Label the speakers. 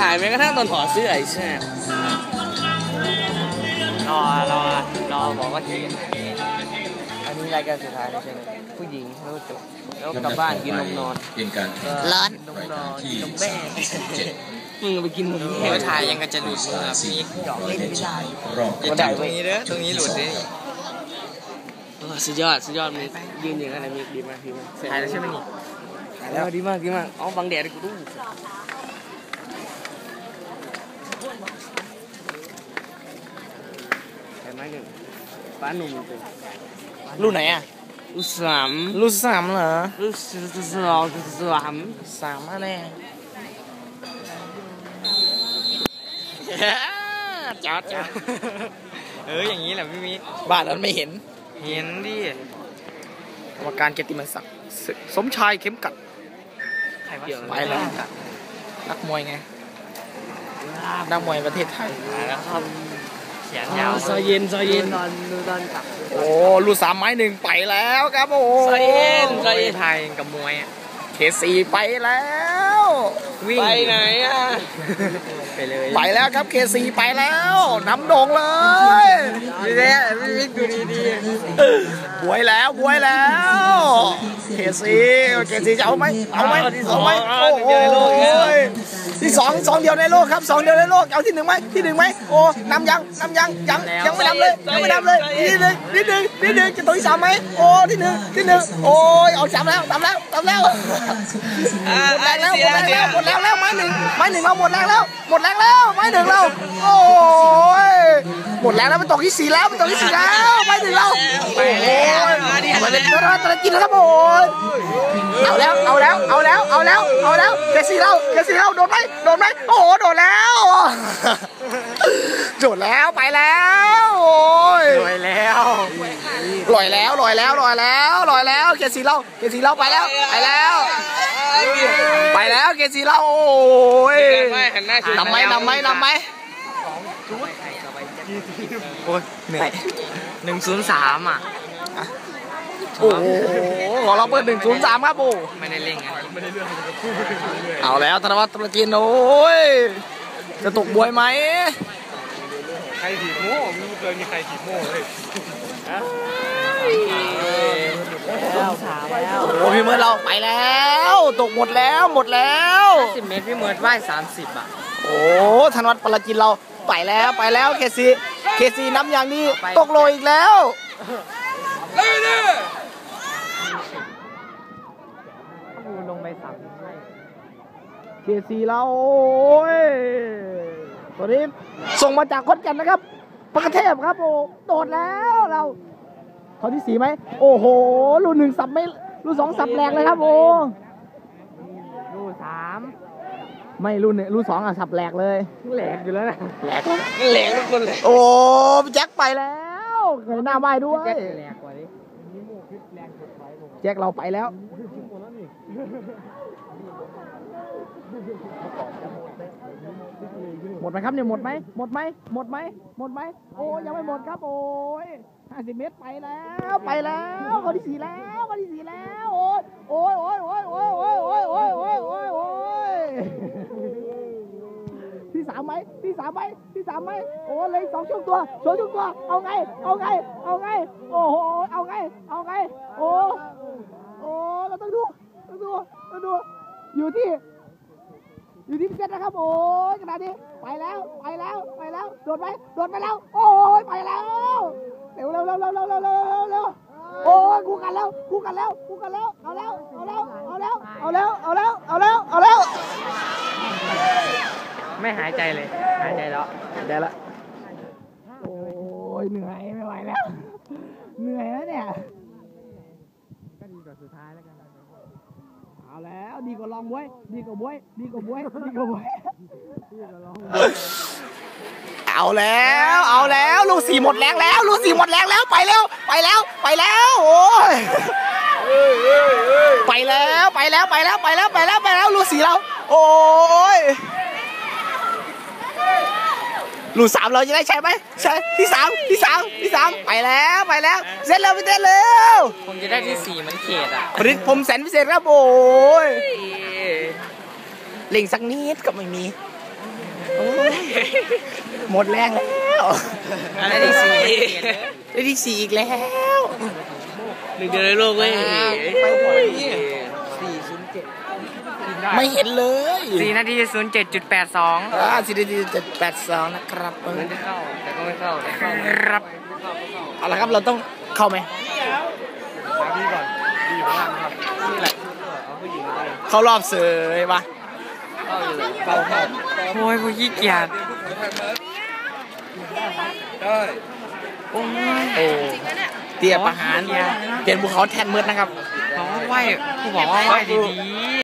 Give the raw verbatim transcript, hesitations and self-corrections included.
Speaker 1: ถ่ายแม้กระทั่งตอนถอดเสื้อไอ้แซ่
Speaker 2: รอรอรอบอกว่าทีอันนี้รายการสุดท้ายใช่ไหมผู้หญิงแล้วจบแล้วกลับบ้านกินนมนอน
Speaker 3: ร้อน
Speaker 2: นมนอนนมแม่มึงไปกินนมแม่ถ่ายยังกันจะหลุดมือพี่หยอกเล่นไม่ได้อย่าจับตรงนี้เด้อตรงนี้หลุดดิ
Speaker 1: สุดยอดสุดยอดมียืนอย่างนั้นมีดีมากดีมาก
Speaker 2: ถ่ายแล้วใช่ไหมนี่
Speaker 1: ถ่ายแล้วดีมากดีมากเอาบังแดดกูดูเห็นไหมหนึ่งป้าหนุ่ม
Speaker 2: รุ่นไหนอ่ะ
Speaker 1: รุ่นสาม
Speaker 2: รุ่นสามเหรอ
Speaker 1: รุ่นสองรุ่นสาม
Speaker 2: สามมาแน่จ๊อดจ๊อดเอออย่างนี้แหละพี่มิบ้านนั้นไม่เห็นเห็นดิกรรมการเกียรติมศักดิ์สมชายเข้มกัดไปแล้วนักมวยไงนักมวยประเทศไทยนะครับเขียนยาว
Speaker 1: ซอยเย็นซอยเย็น
Speaker 2: นอนนอนกับโอ้ลูกสามไม้หนึ่งไปแล้วครับโอ้
Speaker 1: ซอยเย็นซอยเย็น
Speaker 2: ไทยกับมวยเคสี่ไปแล้ว
Speaker 1: วิ่งไปไหนอ่ะ
Speaker 2: ไปเลยไปแล้วครับเคสี่ไปแล้วน้ำโด่งเลย
Speaker 1: ดีแน่วิ่งดูดีดี
Speaker 2: บวยแล้วบวยแล้วเคสี่เคสี่จะเอาไหมเอาไหมเอาไหมโอ้โหที่สองสองเดียวในโลกครับสองเดียวในโลกเอาที่หนึ่งไหมที่หนึ่งไหมโอ้นำยังนำยังยังยังไม่นำเลยยังไม่นำเลยนิดหนึ่งนิดหนึ่งนิดหนึ่งจะตัวที่สามไหมโอ้ที่หนึ่งที่หนึ่งโอ้ยเอาจับแล้วจับแล้วจับแล้วหมดแรงแล้วหมดแรงแล้วหมดแรงแล้วไม้หนึ่งไม้หนึ่งเราหมดแรงแล้วหมดแรงแล้วไม้หนึ่งเราโอ้ยหมดแรงแล้วมันตกที่สี่แล้วมันตกที่สี่แล้วไม้หนึ่งเราโอ้ยมาเลยเราจะกินแล้วครับโอ้ยเอาแล้วเอาแล้วเอาแล้วเอาแล้วเอาแล้วเคสี่เราเคสี่เราโดนไหมโดนไหมโอ้โหโดนแล้วโดนแล้วไปแล้วโอ้ยลอยแล้วลอยแล้วลอยแล้วลอยแล้วลอยแล้วเคสี่เราเคสี่เราไปแล้วไปแล้วไปแล้วเกซีเราโอ้ยนำไหมนำไหมนำไหมโอ้ยเหนื่อย
Speaker 1: หนึ่งศูนย์สามอ่ะ
Speaker 2: โอ้โหของเราเปิดหนึ่งศูนย์สามครับโอ้
Speaker 1: ไม่ได้เล่นไงไม่ได้เรื่อง
Speaker 2: เอาแล้วธนวัฒน์ตะกินโอ้ยจะตกบวยไหม
Speaker 1: ใครถีบโม่ไม่เคยมีใครถีบโม่เลย
Speaker 2: แล้วโอ้พี่เมิร์ดเราไปแล้วตกหมดแล้วหมดแล้ว
Speaker 1: สิบเมตรพี่เมิร์ดว่ายสามสิบอ่ะ
Speaker 2: โอ้ธนวัฒน์ปราจินเราไปแล้วไปแล้วเคซีเคซีน้ำอย่างนี้ตกโลอีกแล้วเลยเนี่ยลงไปสามเคซีเราโอ้ยตัวนี้ส่งมาจากขอนแก่นนะครับปกเทพครับโอ้โดดแล้วเราเขาที่สี่ไหมโอ้โหรุ่นหนึ่งสับไม่รุ่นสองสับแรงเลยครับโอ้รุ่นสามไม่รุ่นเนี่ยรุ่นสองอ่ะสับแหลกเลย
Speaker 1: แหลกอยู่แล้วนะ
Speaker 2: แหลกแหลกทุกคนเลยโอ้แจ็คไปแล้วเงยหน้าไหวด้วยแหลกกว่านี้แจ็คเราไปแล้วหมดไหมครับเนี่ยหมดไหมหมดไหมหมดไหมหมดไหมโอ้ยังไม่หมดครับโอ้ยห้าสิบเมตรไปแล้วไปแล้วคนที่สี่แล้วคนที่สี่แล้วโอ้ยโอ้ยโอ้ยโอ้ยโอ้ยโอ้ยโอ้ยโอ้ยโอ้ยโอ้ยโอ้ยที่สามไหมที่สามไหมที่สามไหมโอ้เลยสองช่วงตัวสองช่วงตัวเอาไงเอาไงเอาไงโอ้โหเอาไงเอาไงโอ้โอ้เราต้องดูต้องดูต้องดูอยู่ที่อยู่ที่พิเศษนะครับโอ้ยขนาดนี้ไปแล้วไปแล้วไปแล้วโดดไปโดดไปแล้วโอ้ยไปแล้วเร็วเร็วเร็วเร็วเร็วเร็วเร็วเร็วโอ้ยคู่กันแล้วคู่กันแล้วคู่กันแล้วเอาแล้วเอาแล้วเอาแล้วเอาแล้วเอาแล้วเอาแล้วเอาแล้ว
Speaker 1: ไม่หายใจเลยหายใจแล้ว
Speaker 2: หายใจแล้วโอ้ยเหนื่อยไม่ไหวแล้วเหนื่อยแล้วเนี่ยก็ดีกว่าสุดท้ายแล้วกันเอาแล้วดีกว่าลองบวยดีกว่าบวยดีกว่าบวยดีกว่าบวยเอาแล้วเอาแล้วลูกสี่หมดแรงแล้วลูกสี่หมดแรงแล้วไปแล้วไปแล้วไปแล้วโอ้ยไปแล้วไปแล้วไปแล้วไปแล้วไปแล้วไปแล้วลูกสี่เราโอ้ยลูกสามเราจะได้ใช่ไหมใช่ที่สามที่สามที่สามไปแล้วไปแล้วเสร็จแล้วพี่เต้นเร็ว
Speaker 1: ผมจะได้ที่สี่มันเขตอ่ะ
Speaker 2: ผลิตผมแสนพิเศษครับโอ้ยเล่งสักนิดก็ไม่มีหมดแรงแล้วได้ที่สี่ได้ที่สี่อีกแล้ว
Speaker 1: หนึ่งเดียวในโลกเว้ย
Speaker 2: ไปหมดสี่ศูนย์เจ็ดไม่เห็นเลย
Speaker 3: สี่นาทีศูนย์เจ็ดจุดแปดสอง
Speaker 2: อ่าสี่นาทีเจ็ดแปดสองนะครับ
Speaker 1: มันจะเข้าแต่ก็ไม่เข้า
Speaker 3: ครับ
Speaker 2: เอาละครับเราต้องเข้าไหม
Speaker 1: พี่ก่อนพี่อยู่ข้างล่างครับนี่แหละเอาผู้หญิงไป
Speaker 2: เข้ารอบเสยปะ
Speaker 1: เข้าอยู่เข้าเข้า
Speaker 3: โอ้ยผู้ขี้เกียจ
Speaker 1: ได้
Speaker 3: โอ้ย
Speaker 2: เตี้ยประหารเปลี่ยนภูเขาแทนมืดนะครับ
Speaker 3: บอกว่าไหวผู้บอกว่าไหวดีๆ